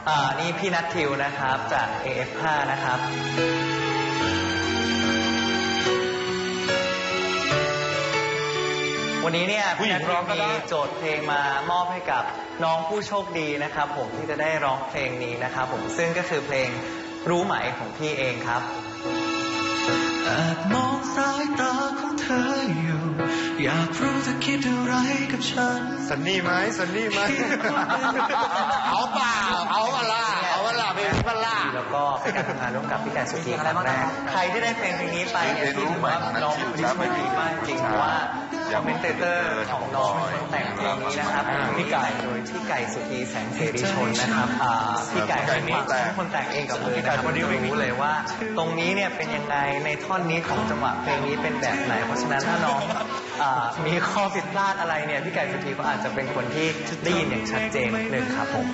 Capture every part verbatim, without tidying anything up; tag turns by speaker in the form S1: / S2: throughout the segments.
S1: อ่านี่พี่นัททิวนะครับจาก เอ เอฟ ห้า นะครับวันนี้เนี่ยพี่นัททิวมีโจทย์เพลงมามอบให้กับน้องผู้โชคดีนะครับผมที่จะได้ร้องเพลงนี้นะครับผมซึ่งก็คือเพลงรู้ไหมของพี่เองครับ
S2: แอบมองสายตาของเธออยู่อยากรู้เธอคิดอะไรกับฉัน
S3: สันนี่ไหมสันนี่ไหมเอาเปล่าเอาเปล่าเอาเปล่าเป็นเปล่า
S1: แล้วก็เป็นการทำงานร่วมกับพี่ไก่สุธีครั้งแรกใครที่ได้เพลงเพลงนี้ไปเนี่ยถือว่าน้องเป็นคนดีมากจริงเพราะว่าคอมเมนเตอร์ของน้องเป็นคนแต่งเพลงนี้นะครับพี่ไก่โดยพี่ไก่สุธีแสงเสรีชนนะครับพี่ไก่เป็นคนแต่งเองกับมือนะครับไม่รู้เลยว่าตรงนี้เนี่ยเป็นยังไงในท่อนนี้ของจังหวะเพลงนี้เป็นแบบไหนเพราะฉะนั้นถ้าน้องมีข้อผิดพลาดอะไรเนี่ยพี่ไก่สุธีก็อาจจะเป็นคนที่ได้ยินอย่างชัดเจนหนึ่งครับผม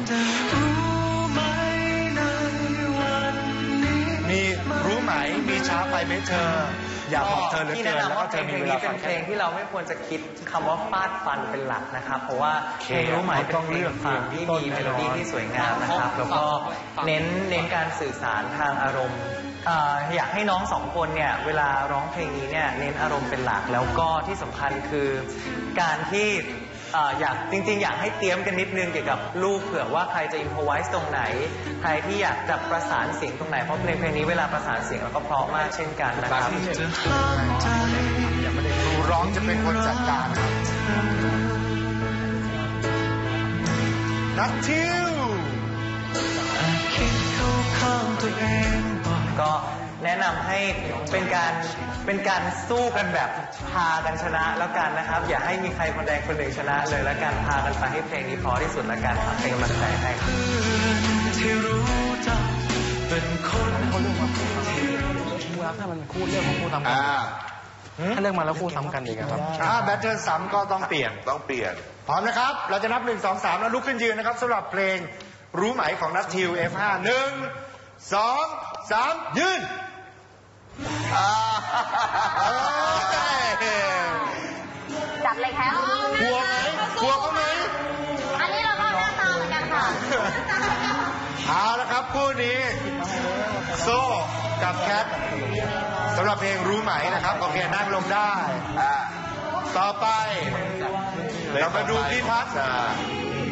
S3: มีรู้ไหมมีช้าไปไหมเธออยากบอกเธอเหลือเกินแล้วก็เธอมีเวลาฟัง
S1: เพลงที่เราไม่ควรจะคิดคำว่าฟาดฟันเป็นหลักนะครับเพราะว่าเพลงรู้ไหมต้องเลือกเพลงที่มีเมโลดี้ที่สวยงามนะครับแล้วก็เน้นเน้นการสื่อสารทางอารมณ์อยากให้น้องสองคนเนี่ยเวลาร้องเพลงนี้เนี่ยเน้นอารมณ์เป็นหลักแล้วก็ที่สำคัญคือการที่อยากจริงๆอยากให้เตรียมกันนิดนึงเกี่ยวกับลูกเผื่อว่าใครจะอินโฟไวส์ตรงไหนใครที่อยากจะประสานเสียงตรงไหนเพราะเพลงเพลงนี้เวลาประสานเสียงแล้วก็เพราะมากเช่นกันนะครับ
S3: ครูร้องจะเป็นคนจัดการนัททิว
S1: ก็แนะนำให้เป็นการเป็นการสู้กันแบบพากันชนะแล้วกันนะครับอย่าให้มีใครคนใดคนหนึ่งชนะเลยแล้วกันพากันไปให้เพลงนี้พอที่สุดแล้วกันเป็นกำลังใจให้ครับ
S2: ที่รู้จักเป็นคนคนเรื่องมาคู่
S4: รับถ้ามันคู่เรื่องของคู่ซ้ำกันถ้าเรื่องมาแล้วคู่ซ้ำกันอีกครับ
S3: ถ้าแบทเทิลซ้ำก็ต้องเปลี่ยน
S5: ต้องเปลี่ยน
S3: พร้อมนะครับเราจะนับหนึ่งสองสามแล้วลุกขึ้นยืนนะครับสำหรับเพลงรู้ไหมของนัททิว เอฟ ห้า หนึ่งสองสามยืน
S6: จับเลยแค่
S3: กลัวไหมกลัวเขาไหม
S6: อันนี้เราก็หน้าตาเหมือนกันค่ะ
S3: เอาละครับคู่นี้โซ่กับแคทสำหรับเพลงรู้ไหมนะครับโอเคนั่งลงได้ต่อไปเรามาดูพี่พัฒน์